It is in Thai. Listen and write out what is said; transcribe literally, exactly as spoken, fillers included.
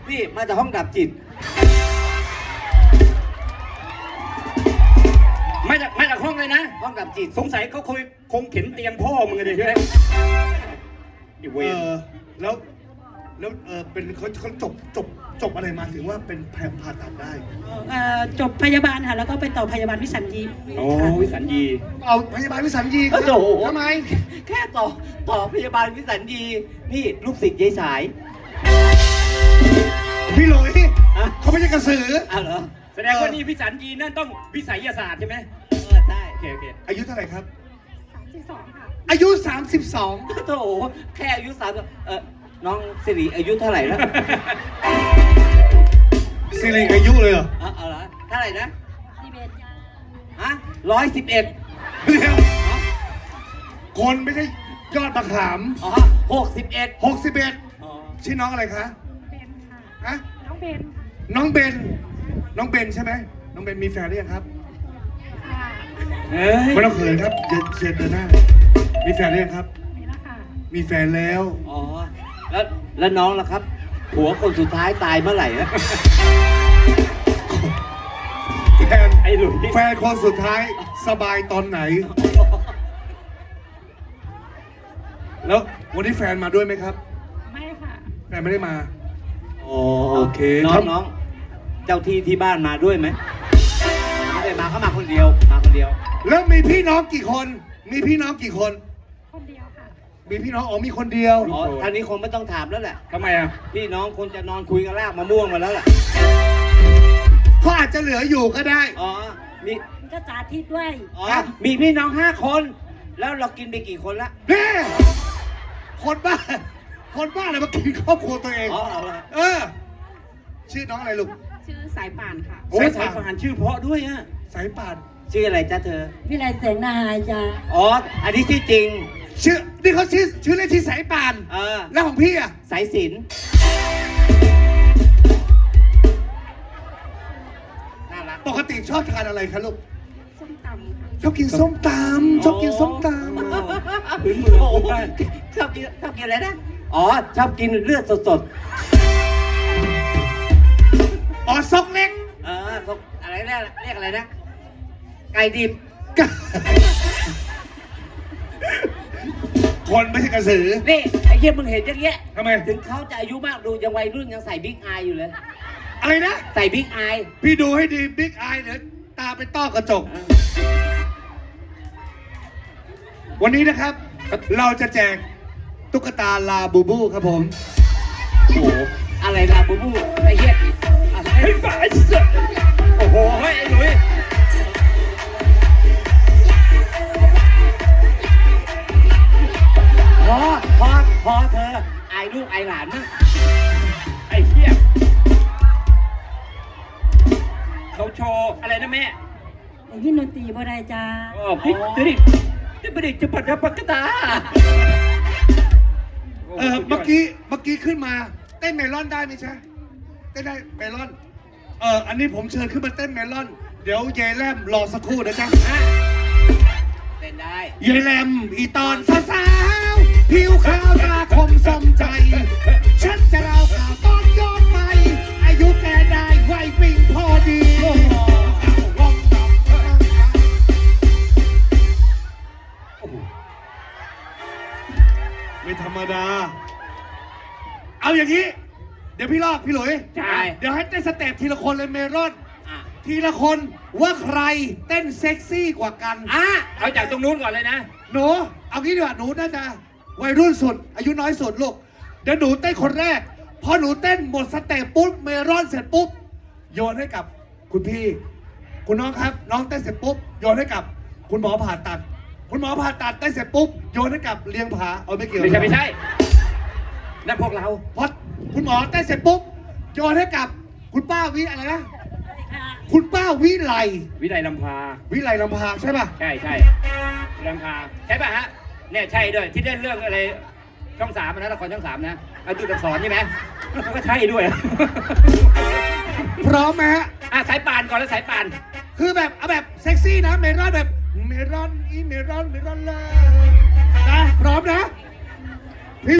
นี่มาจากห้องดับจิตมาจากมาจากห้องเลยนะห้องดับจิตสงสัยเขาคุยคงเข็นเตียงพ่อมึงเลยใช่ไหมอีเวเอน อแล้วแล้วเออเป็นเขาเขาจบจบจบอะไรมาถึงว่าเป็นแผลผ่าตัดได้เอ่อจบพยาบาลค่ะแล้วก็ไปต่อพยาบาลวิสัญญีโอ้ค่ะวิสัญญีเอาพยาบาลวิสัญญีโอ้โหทำไมแค่ต่อต่อพยาบาลวิสัญญีนี่ลูกศิษย์ยายสายพี่หลุยอะเขาไม่ใช่กระสืออ้าวเหรอแสดงว่านี่วิสัญญีนั่นต้องวิสัยศาสตร์ใช่ไหมเออใช่โอเคโอเคอายุเท่าไหร่ครับสามสิบสองค่ะอายุสามสิบสองโถแค่อายุสามเออน้องสิริอายุเท่าไหร่แล้วสิริอายุเลยเหรอเออเอาเหรอเท่าไหร่นะสิบเอ็ดฮะร้อยสิบเอ็ดเดี๋ยวคนไม่ใช่ยอดมะขามอ๋อหกสิบเอ็ดหกสิบเอ็ดอ๋อชื่อน้องอะไรคะเบนค่ะฮะน้องเบนน้องเบนน้องเบนใช่ไหมน้องเบนมีแฟนหรือยังครับค่ะเฮ้ยไม่ต้องเขินครับเชิญเชิญเดินหน้ามีแฟนหรือยังครับมีแล้วค่ะมีแฟนแล้วอ๋อแล้วแล้วน้องล่ะครับผัวคนสุดท้ายตายเมื่อไหร่นะแฟนไอ้หลุยแฟนคนสุดท้ายสบายตอนไหน แล้ววันนี้แฟนมาด้วยไหมครับไม่ค่ะแฟนไม่ได้มาอ๋อโอเคน้อครังบน้องเจ้าที่ที่บ้านมาด้วยไหมไม่ได้มาเขามาคนเดียวมาคนเดียวแล้วมีพี่น้องกี่คน มีพี่น้องกี่คนคนเดียวค่ะมีพี่น้องอ๋อมีคนเดียวอ๋อท่านนี้คงไม่ต้องถามแล้วแหละทำไมอ่ะพี่น้องคงจะนอนคุยกันลากมะม่วงมาแล้วแหละเขาอาจจะเหลืออยู่ก็ได้อ๋อมีมันก็สาธิตด้วยอ๋อมีพี่น้องห้าคน แล้วเรากินไปกี่คนละเน่คนบ้า คนบ้าอะไรมากินครอบครัวตัวเองอ๋อเอาละเออ ชื่อน้องอะไรลูกชื่อสายป่านค่ะโอ้โอ้ยยสายผ่านชื่อเพราะด้วยอ่ะสายป่านชื่ออะไรจ้าเธอวิไลแสงนาหายจ้าอ๋อ อันนี้ชื่อจริงชื่อ นี่เขาชื่อชื่อเล่นที่สายป่านเออแล้วของพี่อ่ะสายสิญจนน่ารักปกติชอบทานอะไรคะลูกส้มตำค่ะชอบกินส้มตำชอบกินส้มตพื้นเมืองโอ้พื้นโหบ้านชอบกินชอบกินอะไรนะ อ๋อ ชอบกินเลือดสดำอ๋อซอกเล็กๆ เออพวกอะไรเรียกเรียกอะไรนะ ไก่ดิบคนไม่ใช่กระสือนี่ ไอ้เหี้ยมึงเห็นอย่างเงี้ยทำไมถึงเขาจะอายุมากดูยังวัยรุ่นยังใส่บิ๊กอายอยู่เลยอะไรนะใส่บิ๊กอายพี่ดูให้ดีบิ๊กไอเดี๋ยวตาเป็นต้อกระจก วันนี้นะครับ เราจะแจกตุ๊กตาลาบูบูครับผมโอ้โห อะไรล่ะบูบูไอ้เหี้ยอะไรเฮ้ยบ้าไอ้สัสโอ้โหเฮ้ยไอ้หลุยพอพอพอเธออายลูกอายหลานมั้งไอ้เหี้ยเขาโชว์อะไรนะแม่พี่นนตรีบ่ได้จ้าเออพี่จะดิจะไปดิจะปัดจะปัดกระตาเออเมื่อกี้เมื่อกี้ขึ้นมาเต้นเมลอนได้ไหมใช่เต้นได้เมลอน เอออันนี้ผมเชิญขึ้นมาเต้นเมลอน เดี๋ยวเยายแลมรอสักครู่นะจ๊ะเต้นได้เยายแลมอีตอนสาวๆผิวขาวตาคมสมใจ ฉันจะเล่าข่าวตอนย้อนไป อายุแกได้ไววิ่งพอดีไม่ธรรมดา เอาอย่างนี้ เดี๋ยวพี่ลอกพี่หลุยใช่เดี๋ยวให้เต้นสเต็ปทีละคนเลยเมรอนอ่ะทีละคนว่าใครเต้นเซ็กซี่กว่ากันอ่ะเอาจากตรงนู้นก่อนเลยนะหนูเอางี้ดีกว่าหนูน่าจะวัยรุ่นสุด อายุน้อยสุดลูก เดี๋ยวหนูเต้นคนแรก พอหนูเต้นหมดสเต็ปปุ๊บเมรอนเสร็จปุ๊บโยนให้กับคุณพี่ คุณน้องครับ น้องเต้นเสร็จปุ๊บโยนให้กับ คุณหมอผ่าตัด คุณหมอผ่าตัดเต้นเสร็จปุ๊บโยนให้กับเลี้ยงผาเอาไม่เกี่ยวไม่ใช่ไม่ใช่นั่นพวกเราพอคุณหมอเต้นเสร็จปุ๊บโยนให้กับคุณป้าวิอะไรนะคุณป้าวิไลวิไลลำพาวิไลลำพาใช่ป่ะใช่ใช่ลำพาใช่ป่ะฮะเนี่ยใช่ด้วยที่เล่นเรื่องอะไรช่องสามนะละครช่องสามนะอาตุตสอนใช่ไหมก็ใช่ด้วยพร้อมไหมฮะอ่ะสายป่านก่อนแล้วสายป่านคือแบบเอาแบบเซ็กซี่นะเมรอนแบบเมรอนอีเมรอนเมรอนเลยนะพร้อมนะ